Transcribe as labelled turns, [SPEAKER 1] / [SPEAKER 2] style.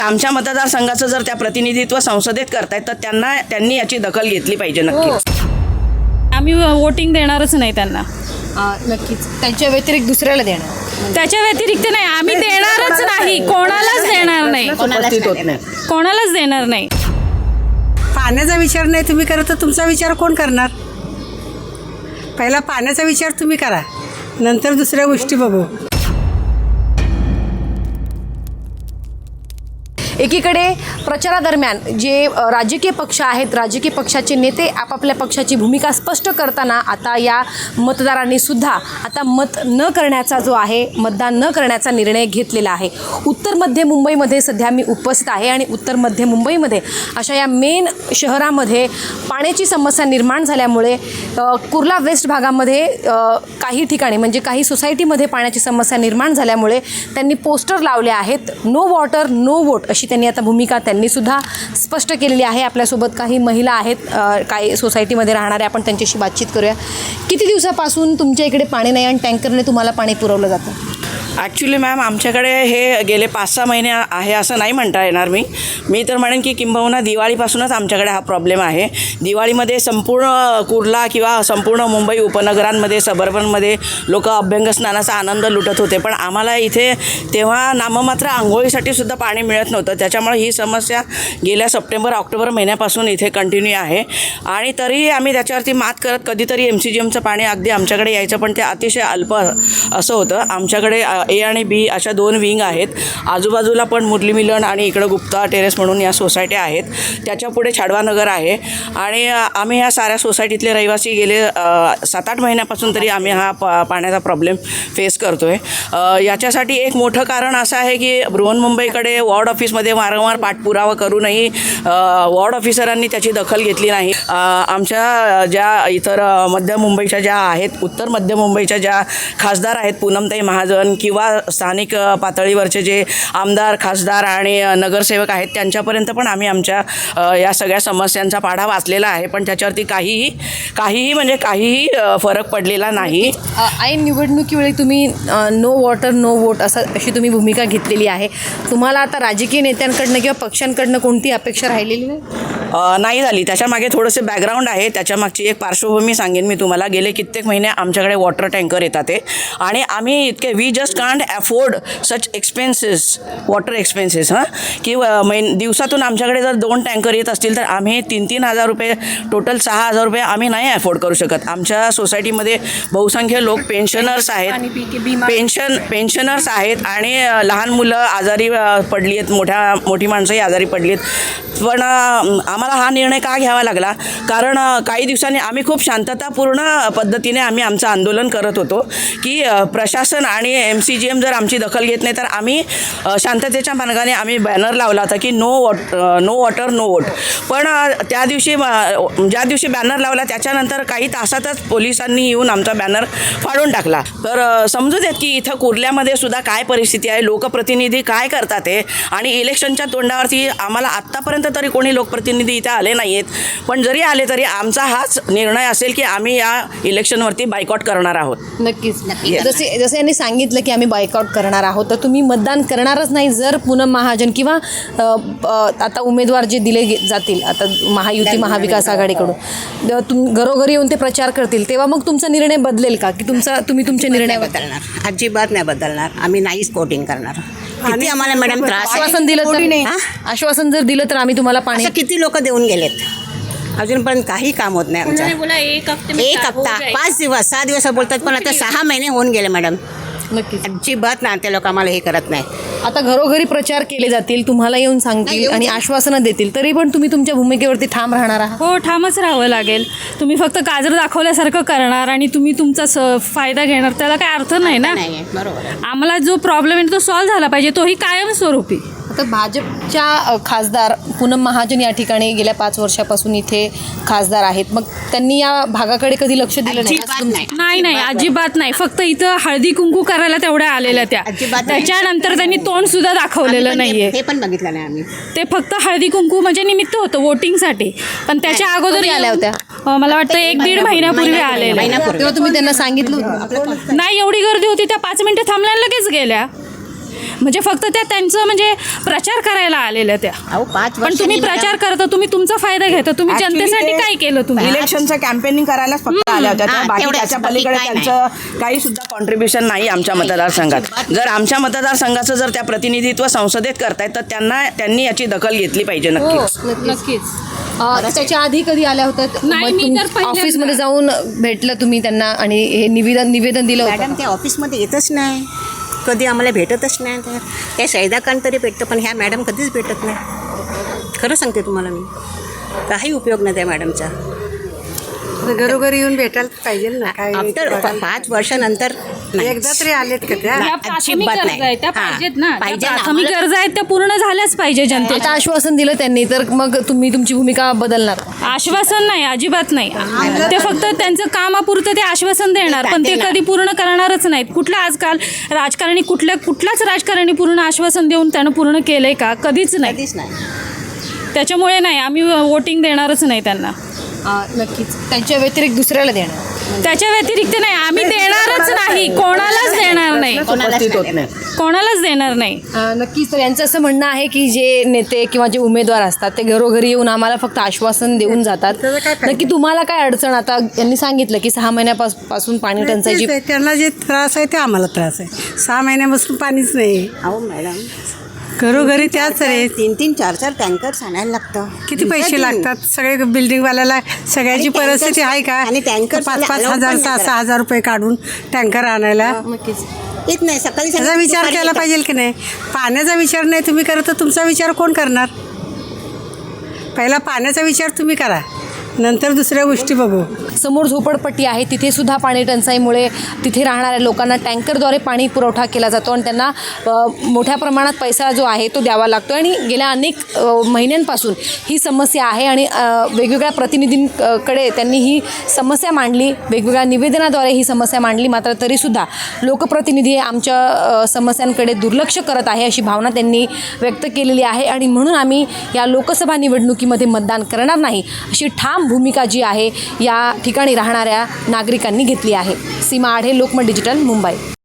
[SPEAKER 1] आमच्या मतदारसंघाचं जर त्या प्रतिनिधित्व संसदेत करतायत तर त्यांनी याची दखल घेतली पाहिजे नक्कीच.
[SPEAKER 2] आम्ही वोटिंग देणारच नाही त्यांना.
[SPEAKER 3] नक्कीच त्यांच्या व्यतिरिक्त दुसऱ्याला देणार.
[SPEAKER 2] त्याच्या व्यतिरिक्त नाही, आम्ही देणारच नाही, कोणालाच देणार नाही,
[SPEAKER 1] उपस्थित होत नाही.
[SPEAKER 2] कोणालाच देणार नाही.
[SPEAKER 4] पाण्याचा विचार नाही तुम्ही करत तर तुमचा विचार कोण करणार? पहिला पाण्याचा विचार तुम्ही करा, नंतर दुसऱ्या गोष्टी बघू.
[SPEAKER 3] एकीकडे प्रचारादरम्यान जे राजकीय पक्ष आहेत, राजकीय पक्षाचे नेते आपापल्या पक्षाची भूमिका स्पष्ट करताना आता या मतदारांनी सुद्धा आता मत न करण्याचा जो आहे, मतदान न करण्याचा निर्णय घेतलेला आहे. उत्तर मध्य मुंबईमध्ये सध्या मी उपस्थित आहे आणि उत्तर मध्य मुंबईमध्ये अशा या मेन शहरामध्ये पाण्याची समस्या निर्माण झाल्यामुळे कुर्ला वेस्ट भागामध्ये काही ठिकाणी म्हणजे काही सोसायटीमध्ये पाण्याची समस्या निर्माण झाल्यामुळे त्यांनी पोस्टर लावले आहेत. नो वॉटर नो वोट अशी त्यांनी आता भूमिका त्यांनीसुद्धा स्पष्ट केलेली आहे. आपल्यासोबत काही महिला आहेत, काही सोसायटीमध्ये राहणाऱ्या, आपण त्यांच्याशी बातचीत करूया. किती दिवसापासून तुमच्या इकडे पाणी नाही आणि टँकरने तुम्हाला पाणी पुरवलं जातं?
[SPEAKER 1] ॲक्च्युली मॅम आमच्याकडे हे गेले 5-6 महिने आहे असं नाही म्हणता येणार. मी तर म्हणेन की किंबहुना दिवाळीपासूनच आमच्याकडे हा प्रॉब्लेम आहे. दिवाळीमध्ये संपूर्ण कुर्ला किंवा संपूर्ण मुंबई उपनगरांमध्ये, सबर्बनमध्ये लोक अभ्यंग स्नानाचा आनंद लुटत होते, पण आम्हाला इथे तेव्हा नाममात्र आंघोळीसाठी सुद्धा पाणी मिळत नव्हतं. त्याच्यामुळे ही समस्या गेल्या सप्टेंबर-ऑक्टोबर महिन्यापासून इथे कंटिन्यू आहे आणि तरीही आम्ही त्याच्यावरती मात करत कधीतरी MCGMचं पाणी अगदी आमच्याकडे यायचं, पण ते अतिशय अल्प असं होतं. आमच्याकडे A आणि B अशा 2 विंग आहेत. आजूबाजूला पण मुरली मिलन आणि इकडं गुप्ता टेरेस म्हणून या सोसायट्या आहेत. त्याच्या पुढे छाडवानगर आहे आणि आम्ही ह्या साऱ्या सोसायटीतले रहिवासी गेले 7-8 महिन्यापासून तरी आम्ही हा पाण्याचा प्रॉब्लेम फेस करतो आहे. याच्यासाठी एक मोठं कारण असं आहे की बृहन्मुंबईकडे वॉर्ड ऑफिसमध्ये वारंवार पाठपुरावा करूनही वॉर्ड ऑफिसरांनी त्याची दखल घेतली नाही. आमच्या ज्या इतर मध्य मुंबईच्या ज्या आहेत, उत्तर मध्य मुंबईच्या ज्या खासदार आहेत, पूनमताई महाजन किंवा स्थानिक पातळीवरचे जे आमदार, खासदार आणि नगरसेवक आहेत, त्यांच्यापर्यंत पण आम्ही आमच्या या सगळ्या समस्यांचा पाढा वाचलेला आहे, पण त्याच्यावरती काहीही फरक पडलेला नाही.
[SPEAKER 3] ऐन निवडणुकीवेळी तुम्ही नो वॉटर नो वोट अशी तुम्ही भूमिका घेतलेली आहे. तुम्हाला आता राजकीय नेत्यांकडनं किंवा पक्षांकडनं कोणती अपेक्षा राहिलेली
[SPEAKER 1] नाही झाली. त्याच्यामागे थोडंसं बॅकग्राऊंड आहे, त्याच्यामागची एक पार्श्वभूमी सांगेन मी तुम्हाला. गेले कित्येक महिने आमच्याकडे वॉटर टँकर येतात आहे आणि आम्ही इतके we just can't afford such expenses, water expenses की दिवसातून आमच्याकडे जर 2 टँकर येत असतील तर आम्ही 3-3 हजार रुपये, टोटल 6,000 रुपये आम्ही नाही अफोर्ड करू शकत. आमच्या सोसायटीमध्ये बहुसंख्य लोक पेन्शनर्स आहेत आणि लहान मुलं आजारी पडली आहेत, मोठी माणसंही आजारी पडली आहेत. पण आम्हाला हा निर्णय का घ्यावा लागला? कारण काही दिवसांनी आम्ही खूप शांततापूर्ण पद्धतीने आम्ही आमचं आंदोलन करत होतो की प्रशासन आणि MCGM जर आमची दखल घेत नाही तर आम्ही शांततेच्या मार्गाने आम्ही बॅनर लावला होता की नो वॉटर नो वोट. पण ज्या दिवशी बॅनर लावला त्याच्यानंतर काही तासातच पोलिसांनी येऊन आमचा बॅनर फाडून टाकला. तर समजू देत की इथं कुर्ल्यामध्ये सुद्धा काय परिस्थिती आहे, लोकप्रतिनिधी काय करतात आहे. आणि इलेक्शनच्या तोंडावरती आम्हाला आत्तापर्यंत तरी कोणी लोकप्रतिनिधी इथे आले नाही आहेत, पण जरी आले तरी आमचा हाच निर्णय असेल की आम्ही या इलेक्शनवरती बायकॉट करणार आहोत.
[SPEAKER 3] नक्कीच. जसे यांनी सांगितलं की आम्ही बायकॉट करणार आहोत, तर तुम्ही मतदान करणारच नाही जर पूनम महाजन किंवा आता उमेदवार जे दिले जातील आता महायुती महाविकास आघाडीकडून घरोघरी येऊन ते प्रचार करतील, तेव्हा मग तुमचा निर्णय बदलेल का की तुम्ही तुमचे निर्णय
[SPEAKER 5] बदलणार? अजिबात नाही बदलणार. आम्ही नाहीच वोटिंग करणार. किती आम्हाला मॅडम त्रास आहे.
[SPEAKER 3] आश्वासन दिलं तर, आश्वासन जर दिलं तर आम्ही तुम्हाला पाणी.
[SPEAKER 5] किती लोक देऊन गेलेत, अजूनपर्यंत काही काम होत नाही आमचं. एक हप्ता 5 दिवस 6 दिवस बोलतात, पण आता 6 महिने होऊन गेले मॅडम.
[SPEAKER 3] नक्कीच.
[SPEAKER 5] अजिबात ना ते लोक आम्हाला हे करत नाही.
[SPEAKER 3] आता घरोघरी प्रचार केले जातील, तुम्हाला येऊन सांगतील आणि आश्वासनं देतील, तरी पण तुम्ही तुमच्या भूमिकेवरती ठाम राहणार आहात?
[SPEAKER 2] हो, ठामच राहावं लागेल. तुम्ही फक्त गाजर दाखवल्यासारखं करणार आणि तुम्ही तुमचा फायदा घेणार, त्याला काय अर्थ नाही ना.
[SPEAKER 5] बरोबर.
[SPEAKER 2] आम्हाला जो प्रॉब्लेम आहे तो सॉल्व्ह झाला पाहिजे, तोही कायमस्वरूपी.
[SPEAKER 3] आता भाजपच्या खासदार पूनम महाजन या ठिकाणी गेल्या 5 वर्षापासून इथे खासदार आहेत, मग त्यांनी या भागाकडे कधी लक्ष दिलं नाही?
[SPEAKER 2] नाही, अजिबात नाही. फक्त इथं हळदी कुंकू करायला तेवढ्या आलेल्या त्या. त्याच्यानंतर त्यांनी तोंड सुद्धा दाखवलेलं नाहीये.
[SPEAKER 5] हे पण बघितलं नाही आम्ही.
[SPEAKER 2] ते फक्त हळदी कुंकू म्हणजे निमित्त होतं वोटिंगसाठी, पण त्याच्या अगोदर
[SPEAKER 3] आल्या होत्या.
[SPEAKER 2] मला वाटतं 1-1.5 महिन्यापूर्वी आलेल्या.
[SPEAKER 3] तेव्हा तुम्ही त्यांना सांगितलं होतं?
[SPEAKER 2] नाही, एवढी गर्दी होती, त्या 5 मिनिटं थांबल्या लगेच गेल्या. म्हणजे फक्त त्या त्यांचं म्हणजे प्रचार करायला आलेल्या त्या.
[SPEAKER 5] अहो 5
[SPEAKER 2] पण तुम्ही प्रचार करता, तुम्ही तुमचा फायदा घेता, तुम्ही
[SPEAKER 1] Actually
[SPEAKER 2] जनतेसाठी
[SPEAKER 1] ते
[SPEAKER 2] काय केलं तुम्ही?
[SPEAKER 1] इलेक्शनचं कॅम्पेनिंग करायलाच फक्त आल्या होत्या त्या.
[SPEAKER 5] हां,
[SPEAKER 1] बाकी
[SPEAKER 5] तेवढंच,
[SPEAKER 1] त्याच्या
[SPEAKER 5] बाकी
[SPEAKER 1] पलीकडे
[SPEAKER 5] काय नाही.
[SPEAKER 1] त्यांचं काही सुद्धा कॉन्ट्रीब्युशन नाही आमच्या मतदारसंघात. जर आमच्या मतदारसंघाचं जर त्या प्रतिनिधित्व संसदेत करतायत तर त्यांनी याची दखल घेतली पाहिजे नक्कीच.
[SPEAKER 2] नक्कीच.
[SPEAKER 3] त्याच्या आधी कधी आल्या होत्या?
[SPEAKER 2] नाही,
[SPEAKER 3] मग
[SPEAKER 2] मी
[SPEAKER 3] तुम्ही
[SPEAKER 2] तर पहिल्यांदा-
[SPEAKER 3] ऑफिसमध्ये जाऊन भेटलं तुम्ही त्यांना आणि हे निवेदन दिलं होतं
[SPEAKER 5] मॅडम
[SPEAKER 3] का?
[SPEAKER 5] ते ऑफिसमध्ये येतच नाही, कधी आम्हाला भेटतच नाही. त्या शैदाकांत तरी भेटतं, पण ह्या मॅडम कधीच भेटत नाही. खरं सांगते तुम्हाला मी, काही उपयोग नाही त्या मॅडमचा.
[SPEAKER 4] घरोघरी येऊन भेटायला पाहिजे ना काय
[SPEAKER 5] आफ्टर 5 वर्षानंतर नाही.
[SPEAKER 4] एकदा तरी आलेत का त्या?
[SPEAKER 2] त्या प्राथमिक
[SPEAKER 5] अजिबात
[SPEAKER 2] गरजा
[SPEAKER 5] नाही.
[SPEAKER 2] आहेत त्या
[SPEAKER 5] हां,
[SPEAKER 2] पाहिजेत ना.
[SPEAKER 5] पाहिजे
[SPEAKER 2] त्या
[SPEAKER 5] ना.
[SPEAKER 2] प्राथमिक गरजा आहेत त्या पूर्ण झाल्याच पाहिजे जनतेच्या.
[SPEAKER 3] आता आश्वासन दिलं त्यांनी, तर मग तुम्ही तुमची भूमिका बदलणार?
[SPEAKER 2] आश्वासन नाही, अजिबात नाही. ते फक्त त्यांचं कामापुरतं ते आश्वासन देणार, पण ते कधी पूर्ण करणारच नाहीत. कुठलं आजकाल राजकारणी कुठलाच राजकारणी पूर्ण आश्वासन देऊन त्यानं पूर्ण केलंय का? कधीच नाही.
[SPEAKER 5] कधीच नाही.
[SPEAKER 2] त्याच्यामुळे नाही, आम्ही वोटिंग देणारच नाही त्यांना.
[SPEAKER 3] नक्कीच. त्यांच्या व्यतिरिक्त दुसऱ्याला देणार?
[SPEAKER 2] त्याच्या व्यतिरिक्त नाही, आम्ही देणारच नाही, कोणालाच देणार नाही,
[SPEAKER 1] उपस्थित होत नाही.
[SPEAKER 2] कोणालाच देणार नाही.
[SPEAKER 3] नक्कीच. तर यांचं असं म्हणणं आहे की जे नेते किंवा जे उमेदवार असतात ते घरोघरी येऊन आम्हाला फक्त आश्वासन देऊन जातात.
[SPEAKER 4] त्याचा काय फायदा?
[SPEAKER 3] नक्की तुम्हाला काय अडचण? आता यांनी सांगितलं की 6 महिन्यापासून पाणी टंचाईची.
[SPEAKER 4] तेच आहे, त्यांना जे त्रास आहे ते आम्हाला त्रास आहे. 6 महिन्यापासून पाणीच नाही.
[SPEAKER 5] अहो मॅडम,
[SPEAKER 4] घरोघरी त्याच रे.
[SPEAKER 5] 3-3, 4-4 टँकर आणायला लागतं.
[SPEAKER 4] किती पैसे लागतात? सगळे बिल्डिंगवाल्याला सगळ्याची
[SPEAKER 5] आणि
[SPEAKER 4] परिस्थिती
[SPEAKER 5] टँकर-
[SPEAKER 4] आहे का?
[SPEAKER 5] आणि टँकर
[SPEAKER 4] 5-5
[SPEAKER 5] allowed
[SPEAKER 4] हजार
[SPEAKER 5] पण नाही
[SPEAKER 4] 6-6 हजार रुपये काढून टँकर आणायला
[SPEAKER 3] नक्कीच.
[SPEAKER 5] येत नाही. सकाळी
[SPEAKER 4] त्याचा विचार केला पाहिजे की नाही? पाण्याचा विचार नाही तुम्ही करत तर तुमचा विचार कोण करणार? पहिला पाण्याचा विचार तुम्ही करा, नंतर दुसऱ्या गोष्टी बघू.
[SPEAKER 3] समोर झोपडपट्टी आहे, तिथे सुद्धा पाणी टंचाईमुळे तिथे राहणाऱ्या लोकांना टँकरद्वारे पाणी पुरवठा केला जातो आणि त्यांना मोठ्या प्रमाणात पैसा जो आहे तो द्यावा लागतो. आणि गेल्या अनेक महिन्यांपासून ही समस्या आहे आणि वेगवेगळ्या प्रतिनिधींकडे त्यांनी ही समस्या मांडली, वेगवेगळ्या निवेदनाद्वारे ही समस्या मांडली. मात्र तरीसुद्धा लोकप्रतिनिधी आमच्या समस्यांकडे दुर्लक्ष करत आहे अशी भावना त्यांनी व्यक्त केलेली आहे. आणि म्हणून आम्ही या लोकसभा निवडणुकीमध्ये मतदान करणार नाही अशी ठाम भूमिका जी आहे या ठिकाणी राहणाऱ्या नागरिकांनी घेतली आहे. सीमा आढे, लोकमत डिजिटल, मुंबई.